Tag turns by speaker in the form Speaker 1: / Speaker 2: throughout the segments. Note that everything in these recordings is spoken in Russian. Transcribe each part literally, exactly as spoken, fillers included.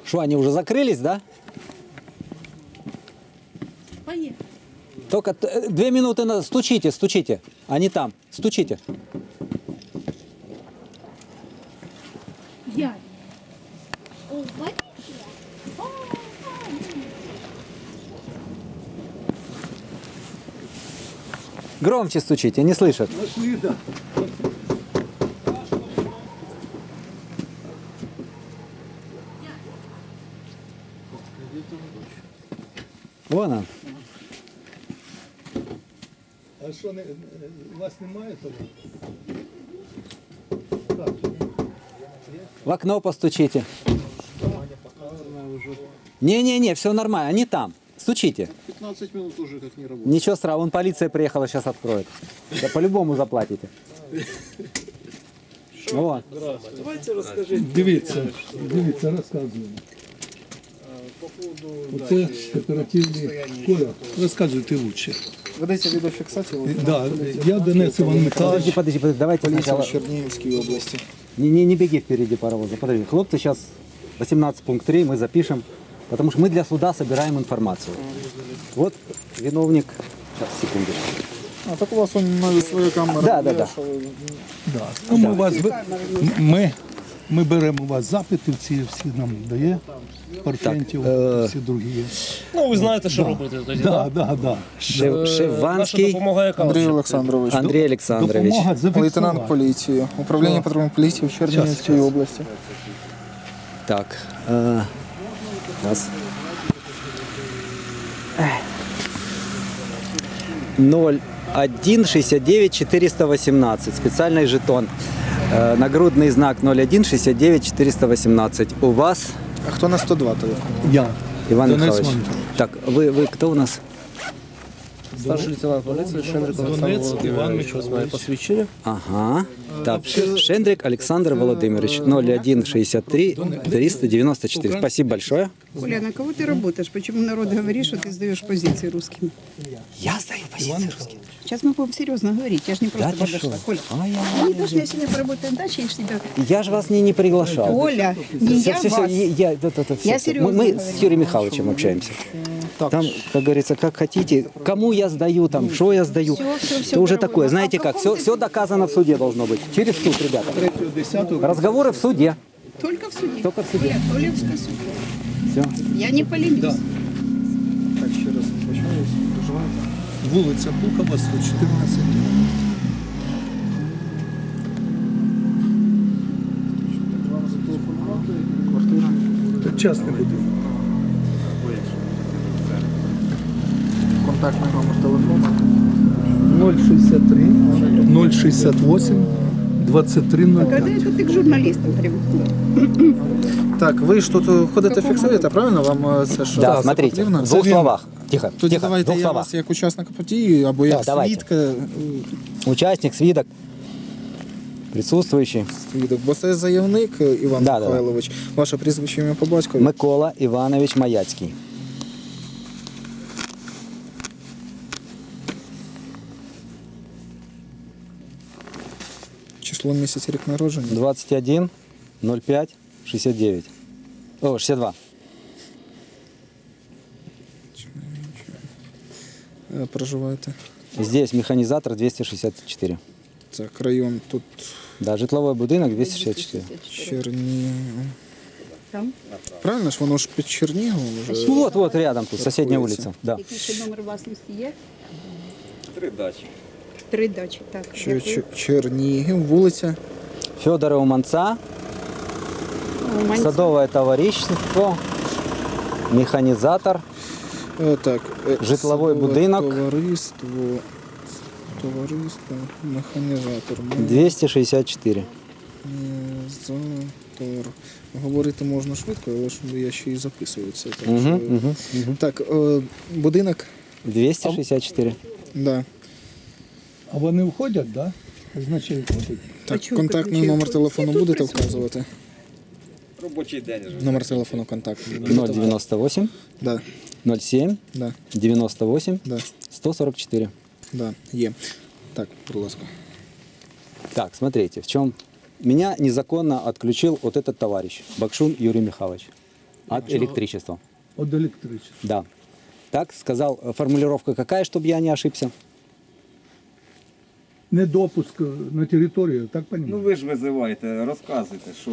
Speaker 1: Что, они уже закрылись, да?
Speaker 2: Поехали.
Speaker 1: Только т- две минуты, на... стучите, стучите. Они там, стучите.
Speaker 2: Я.
Speaker 3: О, полиция! О,
Speaker 1: Громче стучите, не слышат. Вон он.
Speaker 4: А що, не, у вас немає того?
Speaker 1: В окно постучите. Не-не-не, все нормально, они там. Стучите.
Speaker 5: пятнадцать минут уже как не работает.
Speaker 1: Ничего страшного, вон полиция приехала, сейчас откроет. Да по-любому заплатите. Вот.
Speaker 5: Давайте расскажите.
Speaker 4: Дивіться, дивіться, розказуємо.
Speaker 5: По поводу
Speaker 4: Оце кооперативний Коля. Розказуйте лучше.
Speaker 5: Ведеться відеофіксація
Speaker 4: Да, я Денис Іван
Speaker 1: Подожди,
Speaker 4: Михайлович.
Speaker 1: подожди, подожди, давайте
Speaker 5: поліція
Speaker 1: сначала...
Speaker 5: в Чернігівській області.
Speaker 1: Не, не, не беги впереди паровоза. Подожди, хлопцы, сейчас восемнадцать пункт три мы запишем, потому что мы для суда собираем информацию. Вот виновник. Сейчас, секундочку.
Speaker 5: А так у вас он навіть своя камера.
Speaker 1: Да, да,
Speaker 5: є,
Speaker 1: да.
Speaker 5: що ви-
Speaker 4: Да. Ну, ми, вас, ви- ми, ми беремо у вас запити, всі, всі нам дає. Парфентів,
Speaker 1: е,
Speaker 4: всі другі є.
Speaker 6: Ну, ви знаєте, що робити тоді,
Speaker 4: Да,
Speaker 6: так?
Speaker 4: да, да.
Speaker 1: Шев,
Speaker 6: Наша
Speaker 1: Шеванский
Speaker 6: допомога яка?
Speaker 5: Андрій
Speaker 6: вже?
Speaker 5: Олександрович,
Speaker 1: Андрей Александрович.
Speaker 4: Допомога зафіксувати.
Speaker 5: лейтенант поліції, управління патрульної поліції в Чернігівській
Speaker 4: Щас, щас.
Speaker 5: області.
Speaker 1: Так. Э, раз. ноль один шестьдесят девять четыреста восемнадцать. Специальный жетон. Э, нагрудный знак ноль один шестьдесят девять четыреста восемнадцать. У вас,
Speaker 5: А хто на сто два телефон?
Speaker 4: Я.
Speaker 1: Иван
Speaker 4: Денис
Speaker 1: Михайлович.
Speaker 4: Іванович.
Speaker 1: Так, вы, вы кто у нас?
Speaker 6: Старший лейтенант поліції Шендрик Олександр
Speaker 4: Донець,
Speaker 6: Володимирович.
Speaker 4: Іван
Speaker 6: Ось моє посвідчення.
Speaker 1: Ага. Так, Шендрик Александр Владимирович. ноль один шестьдесят три триста девяносто четыре. Спасибо большое.
Speaker 7: Оля, на кого ты работаешь? Почему народ говорит, что ты сдаешь позиции русским?
Speaker 1: Я сдаю позиции русским.
Speaker 7: Сейчас мы будем серьезно говорить. Я же не просто
Speaker 1: ты
Speaker 7: подошла.
Speaker 1: шо?
Speaker 7: Коля,
Speaker 1: Ай, ай,
Speaker 7: ну, не то, что я сегодня поработаю на даче, я ж тебя...
Speaker 1: Я же вас не, не приглашал.
Speaker 7: Оля, не
Speaker 1: Все,
Speaker 7: я
Speaker 1: все, все,
Speaker 7: вас.
Speaker 1: я, да, да, да, все,
Speaker 7: Я
Speaker 1: все.
Speaker 7: серьезно
Speaker 1: Мы, мы
Speaker 7: говорю.
Speaker 1: с Юрием Михайловичем общаемся. Там, как говорится, как хотите, кому я сдаю, там, что я сдаю,
Speaker 7: Всё, всё, всё,
Speaker 1: то уже
Speaker 7: дорогой.
Speaker 1: такое.
Speaker 7: А
Speaker 1: Знаете
Speaker 7: в
Speaker 1: как,
Speaker 7: каком
Speaker 1: все,
Speaker 7: ты-
Speaker 1: все доказано в суде должно быть. Через суд, ребята.
Speaker 4: Третього, десятого.
Speaker 1: Разговоры в суде.
Speaker 7: Только в суде.
Speaker 1: Только в суде.
Speaker 7: Оля, Оля в суде.
Speaker 1: Все.
Speaker 7: Я не поленюсь.
Speaker 4: Да.
Speaker 5: Так, ще раз почалось. Проживаєте?
Speaker 4: Вулиця Пухова, сто чотирнадцять.
Speaker 5: Вам зателефонувати, квартира.
Speaker 4: Частний будинок.
Speaker 5: Контактний номер телефону.
Speaker 4: ноль шістдесят три, ноль шістдесят вісім, двадцять три нуль
Speaker 7: Когда
Speaker 4: п'ять.
Speaker 7: это ты к журналистам привыкла?
Speaker 5: Так, ви ж тут ходите фіксуєте, правильно? Вам е, це що?
Speaker 1: Да,
Speaker 5: це
Speaker 1: смотрите,
Speaker 5: потрібно?
Speaker 1: в двух
Speaker 5: Це-
Speaker 1: словах. Тихо,
Speaker 5: Тоді
Speaker 1: тихо, в
Speaker 5: давайте
Speaker 1: двух
Speaker 5: я
Speaker 1: словах.
Speaker 5: вас як учасника події або як
Speaker 1: Да, давайте.
Speaker 5: свідка,
Speaker 1: Участник, свидок, присутствующий.
Speaker 5: свідок. Бо це заявник е, Іван
Speaker 1: Да, да, да.
Speaker 5: Михайлович. Ваше прізвище ім'я по батькові.
Speaker 1: Микола Иванович Маяцкий.
Speaker 5: Число місяць, рік народження.
Speaker 1: двадцать один ноль пять шестьдесят девять. О, шестьдесят два.
Speaker 5: Е, Проживаєте.
Speaker 1: Здесь механизатор двести шестьдесят четыре.
Speaker 5: Так, район тут
Speaker 1: Да, житловой будинок двести шестьдесят четыре.
Speaker 5: Чернігів.
Speaker 7: Там?
Speaker 5: Правильно ж, воно ж під Черніговом вже.
Speaker 1: Ну вот, вот рядом тут, соседняя
Speaker 5: Находится.
Speaker 1: улица. Да.
Speaker 7: Який ще номер власності є? Три дачі. Три дачі, так.
Speaker 5: Чер-
Speaker 7: Дякую.
Speaker 5: Чер- Чернігів, вулиця.
Speaker 1: Федора Уманца,
Speaker 7: Уманці.
Speaker 1: садовое товарищество, механизатор.
Speaker 5: Е, Так, е,
Speaker 1: Житловий
Speaker 5: садове
Speaker 1: будинок.
Speaker 5: Товариство. Товариство, механізатор.
Speaker 1: двести шестьдесят четыре.
Speaker 5: Механізатор. Говорити можна швидко, але ж я ще й записую це. Так,
Speaker 1: Угу,
Speaker 5: що-
Speaker 1: угу, угу.
Speaker 5: так е, будинок.
Speaker 1: двести шестьдесят четыре.
Speaker 5: Да.
Speaker 4: А вони входять, так? Да? Значить, входять.
Speaker 5: Так,
Speaker 7: чого
Speaker 5: контактний
Speaker 7: підключили?
Speaker 5: номер
Speaker 7: Всі
Speaker 5: телефону
Speaker 7: тут
Speaker 5: будете
Speaker 7: присутні.
Speaker 5: вказувати?
Speaker 8: Робочий день вже.
Speaker 5: Номер телефону контактний.
Speaker 1: ноль девяносто восемь
Speaker 5: Да,
Speaker 1: ноль семь
Speaker 5: да,
Speaker 1: девяносто восемь
Speaker 5: да,
Speaker 1: сто сорок четыре.
Speaker 5: да, є. Так, будь ласка.
Speaker 1: Так, смотрите, в чем меня незаконно отключил вот этот товарищ, Бакшун Юрий Михайлович. от электричества.
Speaker 4: От електричества.
Speaker 1: Да. Так сказал, э, формулировка какая, чтобы я не ошибся?
Speaker 4: Недопуск на територію, так
Speaker 8: Ну
Speaker 4: розумію?
Speaker 8: ви ж визиваєте, розказуйте, що ви.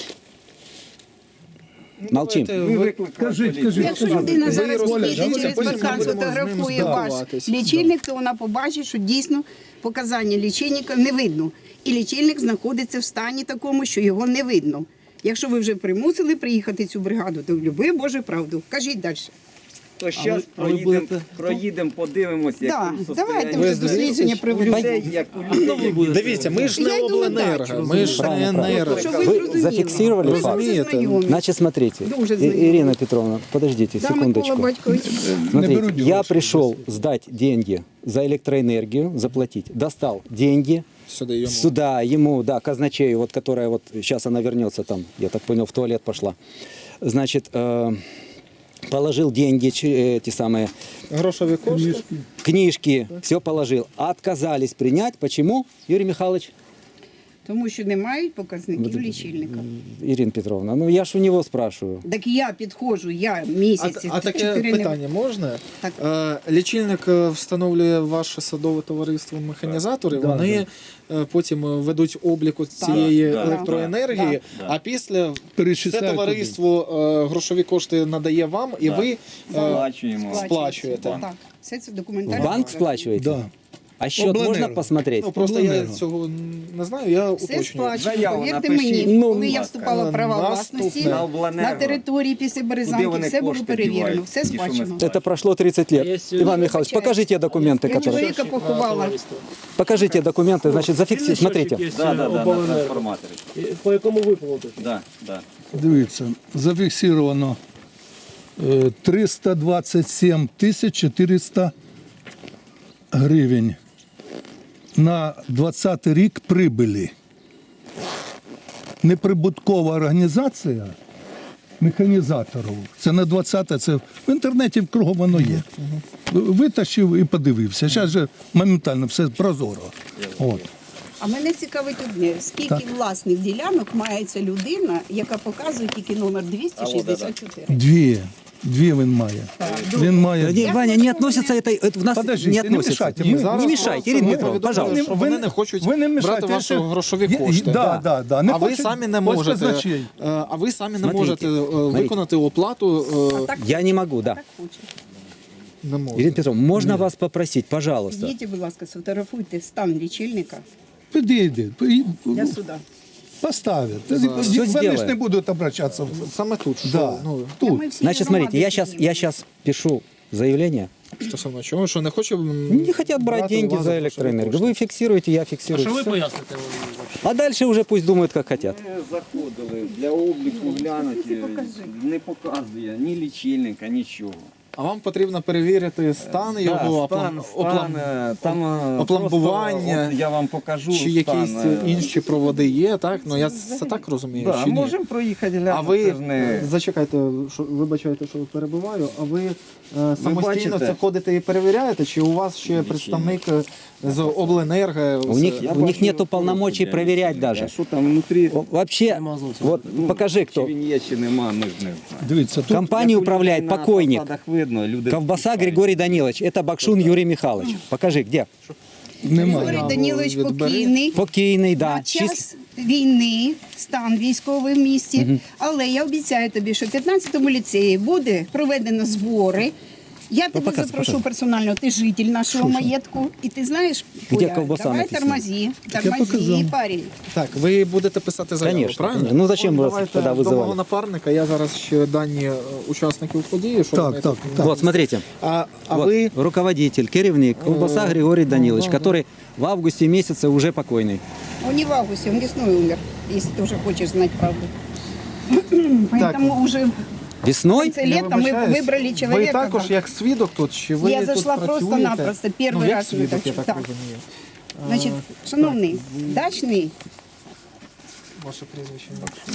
Speaker 1: Молчим.
Speaker 8: Ви викликали
Speaker 4: Кажіть,
Speaker 8: поліцію.
Speaker 4: кажіть.
Speaker 7: Якщо людина зараз
Speaker 5: Оля,
Speaker 7: піде
Speaker 5: давайте
Speaker 7: через
Speaker 5: потім
Speaker 7: паркан,
Speaker 5: будемо з ним
Speaker 7: сфотографує ваш
Speaker 5: спілкуватись.
Speaker 7: лічильник, то вона побачить, що дійсно показання лічильника не видно. І лічильник знаходиться в стані такому, що його не видно. Якщо ви вже примусили приїхати цю бригаду, то люби Боже правду. Кажіть далі.
Speaker 8: То зараз проїдемо, проїдемо, подивимося, як
Speaker 7: Так,
Speaker 8: у
Speaker 7: давайте
Speaker 8: состоянні.
Speaker 7: вже дослідження
Speaker 8: У
Speaker 7: проведемо.
Speaker 8: людей, як у людей.
Speaker 5: Дивіться, ми ж
Speaker 7: Я
Speaker 5: не
Speaker 7: йду на
Speaker 5: обленерго,
Speaker 7: дачу.
Speaker 5: ми ж не
Speaker 1: Правильно, правильно.
Speaker 5: енерго.
Speaker 7: Щоб
Speaker 1: Вы
Speaker 7: зрозуміли.
Speaker 1: зафиксировали
Speaker 7: Ви
Speaker 1: факт?
Speaker 7: дуже
Speaker 5: Розумієте?
Speaker 7: знайомі.
Speaker 1: Значит, смотрите,
Speaker 7: Дуже
Speaker 1: И-
Speaker 7: знакомы.
Speaker 1: Ирина Петровна, подождите
Speaker 7: Да, Микола
Speaker 1: секундочку.
Speaker 7: Батькович.
Speaker 1: Смотрите,
Speaker 4: берут
Speaker 1: я
Speaker 4: девушек,
Speaker 1: пришел сдать деньги за электроэнергию, заплатить. Достал деньги,
Speaker 5: Сюди йому.
Speaker 1: сюда ему, да, казначею, вот которая вот сейчас она вернется там, я так понял, в туалет пошла. Значит, э, положил деньги, чи- эти самые
Speaker 5: Грошові кошти.
Speaker 1: книжки, все положил. Отказались принять. Почему, Юрий Михайлович?
Speaker 7: Тому що не мають показників лічильника.
Speaker 1: Ирина Петровна, ну я ж у него спрашиваю.
Speaker 7: Так я підходжу, я
Speaker 5: А,
Speaker 7: місяці.
Speaker 5: а таке
Speaker 7: чотири не-
Speaker 5: питання можна?
Speaker 7: Так.
Speaker 5: Е, лічильник е, встановлює ваше садове товариство механізатори.
Speaker 4: Да,
Speaker 5: Вони е, потім е, ведуть обліку цієї
Speaker 8: Да,
Speaker 5: електроенергії,
Speaker 8: да,
Speaker 5: а після це
Speaker 4: Перечисляють
Speaker 5: товариство е, грошові кошти надає вам, і
Speaker 8: Да.
Speaker 5: ви е,
Speaker 8: Сплачуємо.
Speaker 5: сплачуєте.
Speaker 7: Так, все це
Speaker 1: В
Speaker 7: документально.
Speaker 1: банк сплачиваете?
Speaker 4: Да.
Speaker 1: А счет
Speaker 4: Обленерго.
Speaker 1: можно посмотреть?
Speaker 5: Ну просто я
Speaker 4: Обленерго.
Speaker 5: цього не знаю, я
Speaker 7: Все
Speaker 5: уточнюю.
Speaker 7: сплачено.
Speaker 8: Заяву
Speaker 7: Повірте
Speaker 8: напишіть.
Speaker 7: мені,
Speaker 1: Ну,
Speaker 7: коли я
Speaker 8: будь
Speaker 7: вступала в
Speaker 5: ласка.
Speaker 7: права
Speaker 5: Наступне.
Speaker 7: власності
Speaker 8: На
Speaker 7: на
Speaker 8: обленерго.
Speaker 7: території після
Speaker 8: Куди
Speaker 7: Березанки,
Speaker 8: вони
Speaker 7: все було
Speaker 8: кошти
Speaker 7: перевірено,
Speaker 8: дівають?
Speaker 7: все
Speaker 8: Ті, що ми
Speaker 7: сплачено.
Speaker 1: Это прошло тридцать лет. Иван Михайлович, покажите документы,
Speaker 7: Я
Speaker 1: которые...
Speaker 7: чоловіка поховала.
Speaker 1: Покажите документы, значит, зафиксируйте. Смотрите.
Speaker 8: Да, да, да, на трансформаторі.
Speaker 6: По якому ви платите?
Speaker 8: Да, да.
Speaker 4: Дивіться, зафіксировано е, триста двадцять сім тисяч чотириста гривень на двадцятий рік прибилі. Неприбуткова організація механізаторів. Це на двадцяте, це в інтернеті кругом воно є. Витащив і подивився. Зараз же моментально все прозоро. От.
Speaker 7: А мене цікавить одне, скільки власних ділянок має ця людина, яка показує тільки номер двісті шістдесят чотири.
Speaker 4: Дві. Дві він має. Він має.
Speaker 1: Не, Ваня, не относится это, это в нас
Speaker 4: Подождите,
Speaker 1: не
Speaker 4: не
Speaker 1: относится.
Speaker 4: мешайте,
Speaker 1: Не,
Speaker 4: мы-
Speaker 5: Зараз
Speaker 1: не мешайте,
Speaker 5: просто
Speaker 1: Ирина
Speaker 5: ви
Speaker 1: Петровна,
Speaker 5: повідомили,
Speaker 1: пожалуйста.
Speaker 5: що вони не хочуть
Speaker 4: ви не
Speaker 5: брати
Speaker 4: мішайте,
Speaker 5: ваші
Speaker 4: я-
Speaker 5: грошові
Speaker 4: Я-
Speaker 5: кошти.
Speaker 4: Да, да, да. Не
Speaker 5: А ви
Speaker 4: хочуть
Speaker 5: самі не
Speaker 4: ось
Speaker 5: можете,
Speaker 4: казначей.
Speaker 5: е, а ви самі не
Speaker 1: Смотрите,
Speaker 5: можете е,
Speaker 1: смотрите.
Speaker 5: виконати оплату. е,
Speaker 7: Так,
Speaker 1: Я не могу, да.
Speaker 7: так хоче.
Speaker 5: Не можете.
Speaker 1: Ирина Петровна, можно вас попросить, пожалуйста?
Speaker 7: Підійдіть, будь ласка, сфотографуйте стан лічильника
Speaker 4: Підійди,
Speaker 7: для суда.
Speaker 4: поставить.
Speaker 1: Все
Speaker 4: Вони ж
Speaker 1: сделаем.
Speaker 4: не будуть обращатися.
Speaker 5: Саме тут. що,
Speaker 4: Да.
Speaker 5: ну,
Speaker 7: Та
Speaker 4: Тут.
Speaker 7: ми всі
Speaker 1: Значит,
Speaker 7: громади
Speaker 1: смотрите, я сейчас,
Speaker 7: підійдемо.
Speaker 1: я сейчас пишу заявление.
Speaker 5: стосовно чого, що не хоче м,
Speaker 1: Не хотят брать
Speaker 5: брати у
Speaker 1: деньги
Speaker 5: вас
Speaker 1: за
Speaker 5: грошові
Speaker 1: электроэнергию.
Speaker 5: кошти.
Speaker 1: Вы фиксируете, я фиксирую.
Speaker 6: Що ви
Speaker 1: Всё.
Speaker 6: поясните?
Speaker 1: А дальше уже пусть думают, как хотят.
Speaker 8: Ми заходили для обліку глянути, не показує ні лічильника, нічого.
Speaker 5: А вам потрібно перевірити стан його,
Speaker 8: Да, стан,
Speaker 5: оплам-
Speaker 8: стан,
Speaker 5: оплам-
Speaker 8: е, там е,
Speaker 5: опломбування,
Speaker 8: просто, от я вам покажу
Speaker 5: чи
Speaker 8: стан,
Speaker 5: якісь
Speaker 8: е,
Speaker 5: інші проводи є, так? Ну я це так розумію,
Speaker 8: Да,
Speaker 5: чи ні?
Speaker 8: можемо проїхати глянути.
Speaker 5: А ви
Speaker 8: це ж не...
Speaker 5: зачекайте, що вибачайте, що перебуваю. А ви е, самостійно
Speaker 8: бачите?
Speaker 5: це ходите і перевіряєте? Чи у вас ще представник е, з обленерго?
Speaker 1: У
Speaker 5: з-
Speaker 1: них,
Speaker 8: Я
Speaker 1: у них
Speaker 8: бачу,
Speaker 1: нету полномочий
Speaker 8: я
Speaker 1: проверять
Speaker 8: не
Speaker 1: даже.
Speaker 8: знаю, Що там внутрі?
Speaker 1: О, Вообще, вот покажи,
Speaker 8: Чи
Speaker 1: кто.
Speaker 8: він є, чи нема, ми ж не знаємо.
Speaker 4: Дивіться, тут
Speaker 1: Компанию управляет
Speaker 8: На
Speaker 1: покойник.
Speaker 8: фасадах видно, люди
Speaker 1: Ковбаса Григорий Данилович. Это Бакшун Юрий Михайлович. Покажи, где?
Speaker 7: Григорій
Speaker 4: немає.
Speaker 7: Данілович
Speaker 5: відбери.
Speaker 7: покійний.
Speaker 1: Покійний, да.
Speaker 7: На
Speaker 1: Чис-
Speaker 7: час війни, стан військовий в місті. Але я обіцяю тобі, що в п'ятнадцятому ліцеї буде проведено збори. Я тебе
Speaker 1: показуй,
Speaker 7: запрошу
Speaker 1: показуй.
Speaker 7: персонально, ти житель нашого маєтку. І ти знаєш,
Speaker 1: Де
Speaker 7: Оля,
Speaker 1: ковбаса
Speaker 7: давай
Speaker 1: написано?
Speaker 7: тормози,
Speaker 4: я
Speaker 7: тормози,
Speaker 4: показав.
Speaker 7: парень.
Speaker 5: Так, ви будете писати заяву,
Speaker 1: Конечно,
Speaker 5: правильно?
Speaker 1: конечно. Ну, зачем вас
Speaker 5: Давайте
Speaker 1: тогда
Speaker 5: до мого
Speaker 1: вызывали?
Speaker 5: напарника, я зараз ще дані е, учасників події. Що
Speaker 4: Так,
Speaker 5: вони
Speaker 4: так,
Speaker 5: тут-
Speaker 4: так.
Speaker 1: Вот, смотрите.
Speaker 5: А, а
Speaker 1: Вот,
Speaker 5: ви
Speaker 1: руководитель, керівник, Колбаса Григорий Данилович, который в августе месяце уже покойный.
Speaker 7: Он не в августе, он весной умер, если ты уже хочешь знать правду. Поэтому уже в
Speaker 1: Весной?
Speaker 7: конце
Speaker 5: я
Speaker 7: лета мы
Speaker 5: вибачаюсь,
Speaker 7: выбрали
Speaker 5: ви
Speaker 7: человека.
Speaker 5: також
Speaker 7: да.
Speaker 5: як свідок тут, чи ви
Speaker 7: Я
Speaker 5: тут
Speaker 7: зайшла
Speaker 5: працюєте?
Speaker 7: просто-напросто, перший
Speaker 5: ну, як
Speaker 7: раз
Speaker 5: свідок,
Speaker 7: на
Speaker 5: я
Speaker 7: дачу,
Speaker 5: так
Speaker 7: так.
Speaker 5: розумію.
Speaker 7: Значить, шановний, дачний,
Speaker 5: Ваше прізвище.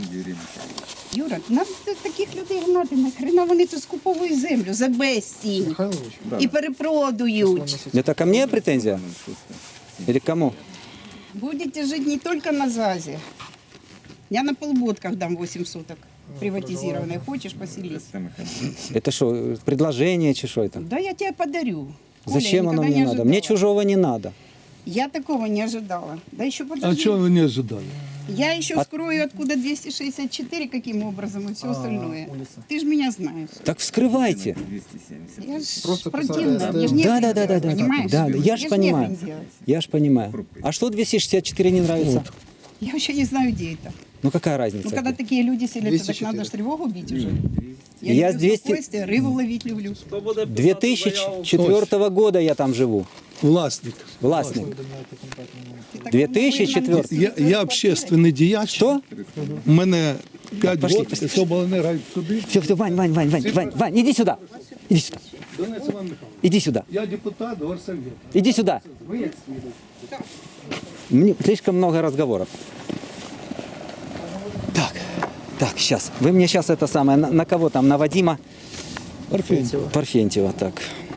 Speaker 7: Юра, нам т- таких людей гнати, нахрена вони тут скуповують землю за безцінь
Speaker 5: Михайлович?
Speaker 7: і перепродують.
Speaker 1: Это ко мне претензия? Или к кому?
Speaker 7: Будете жить не только на ЗАЗе. Я на полботках дам восемь соток. Приватизированные. Хочешь, поселись?
Speaker 1: Это что, предложение чи что это?
Speaker 7: Да я тебе подарю. Коля,
Speaker 1: Зачем
Speaker 7: я
Speaker 1: оно
Speaker 7: никогда
Speaker 1: мне
Speaker 7: не
Speaker 1: надо?
Speaker 7: ожидала.
Speaker 1: Мне чужого не надо.
Speaker 7: Я такого не ожидала. Да еще
Speaker 4: А
Speaker 7: подожди.
Speaker 4: чого ви не ожидали?
Speaker 7: Я еще вскрою, откуда двести шестьдесят четыре, каким образом и все остальное. Ты же меня знаешь.
Speaker 1: Так вскрывайте.
Speaker 7: Я ж
Speaker 5: Просто
Speaker 7: противная.
Speaker 5: посадка
Speaker 7: Я ж не
Speaker 1: Да, да, да, да,
Speaker 7: делать,
Speaker 1: да,
Speaker 7: понимаешь?
Speaker 1: да, да, я ж
Speaker 7: ж
Speaker 1: понимаю.
Speaker 7: нехрен делать.
Speaker 1: Я ж понимаю. А что двести шестьдесят четыре не нравится?
Speaker 7: Я вообще не знаю, где это.
Speaker 1: Ну какая разница?
Speaker 7: Ну, когда такие люди селятся,
Speaker 5: двести
Speaker 7: так
Speaker 5: четыре.
Speaker 7: надо ж тревогу бить уже. Я,
Speaker 1: Я с
Speaker 7: люблю
Speaker 1: двести
Speaker 7: спокойствие, рыбу ловить люблю.
Speaker 1: две тысячи четвёртого года я там живу.
Speaker 4: Власник.
Speaker 1: Властник.
Speaker 7: Ты так
Speaker 1: две
Speaker 7: давно
Speaker 1: тысячи
Speaker 7: выгнан
Speaker 1: четвёртый.
Speaker 7: из
Speaker 4: Я,
Speaker 7: своей
Speaker 4: я
Speaker 7: квартиры.
Speaker 4: общественний діяч.
Speaker 1: Что?
Speaker 4: У мене п'ять
Speaker 1: пошли,
Speaker 4: років,
Speaker 1: пошли.
Speaker 4: все обленерго сюди.
Speaker 1: Все, все, Вань, Вань, Вань, Вань, Вань, Вань, иди сюда. Иди сюда.
Speaker 4: Донець Іван Михайлович,
Speaker 1: Иди сюда.
Speaker 4: я депутат горсовета.
Speaker 1: Иди сюда. Мне слишком много разговоров. Так, так, сейчас. Вы мне сейчас это самое, на, на кого там, на Вадима
Speaker 4: Парфентьєва.
Speaker 1: Парфентьева, так.